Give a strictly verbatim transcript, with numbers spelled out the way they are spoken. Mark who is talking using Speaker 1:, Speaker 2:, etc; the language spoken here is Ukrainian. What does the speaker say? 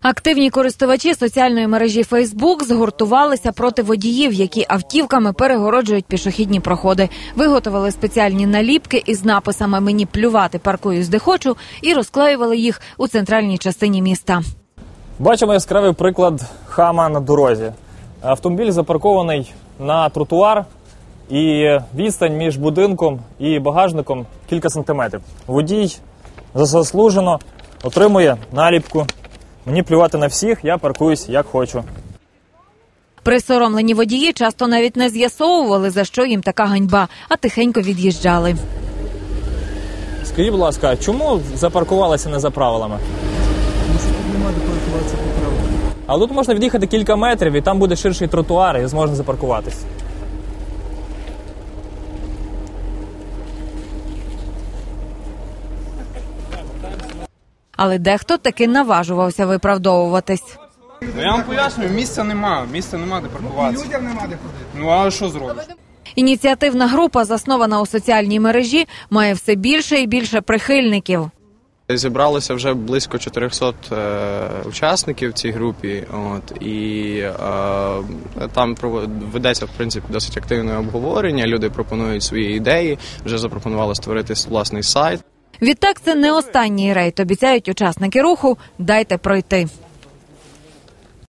Speaker 1: Активні користувачі соціальної мережі Фейсбук згуртувалися проти водіїв, які автівками перегороджують пішохідні проходи. Виготовили спеціальні наліпки із написами «Мені плювати, паркуюсь де хочу» і розклеювали їх у центральній частині міста.
Speaker 2: Бачимо яскравий приклад хама на дорозі. Автомобіль запаркований на тротуар і відстань між будинком і багажником кілька сантиметрів. Водій заслужено отримує наліпку «Мені плювати на всіх, я паркуюсь як хочу».
Speaker 1: Присоромлені водії часто навіть не з'ясовували, за що їм така ганьба, а тихенько від'їжджали.
Speaker 2: Скажіть, будь ласка, чому запаркувалися не за правилами?
Speaker 3: Тому що тут немає де паркуватися по правилам.
Speaker 2: А тут можна від'їхати кілька метрів, і там буде ширший тротуар, і зможна запаркуватись.
Speaker 1: Але дехто таки наважувався виправдовуватись.
Speaker 4: Ну, я вам пояснюю, місця нема, місця нема де паркуватися.
Speaker 3: Людям нема де ходити.
Speaker 4: Ну, а що зробиш?
Speaker 1: Ініціативна група, заснована у соціальній мережі, має все більше і більше прихильників.
Speaker 5: Зібралося вже близько чотирьохсот е, учасників в цій групі, от, і е, там ведеться, в принципі, досить активне обговорення, люди пропонують свої ідеї, вже запропонували створити власний сайт.
Speaker 1: Відтак, це не останній рейд, обіцяють учасники руху «Дайте пройти».